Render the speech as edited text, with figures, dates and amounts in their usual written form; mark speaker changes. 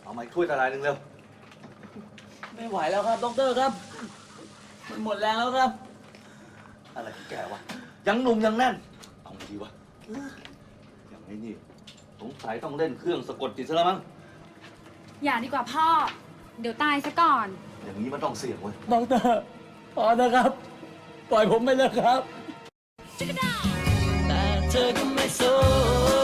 Speaker 1: เอาไม้ถ้วยตะไลนึงเร็ว
Speaker 2: ไม่ไหวแล้วครับดรครับมันหมดแรงแล้วครับ
Speaker 1: อะไรของแกวะยังหนุ่มยังแน่นเอาไงดีวะอย่างนี้นี่สงสัยต้องเล่นเครื่องสะกดจิตซะแล้วมั้ง
Speaker 3: อย่าดีกว่าพ่อ เดี๋ยวตายซะก่อน
Speaker 1: อย่างนี้มันต้องเสี่ยงเว้ย
Speaker 2: ดรพอนะครับ ปล่อยผมไปเลยครับแต่เธอก็ไม่สน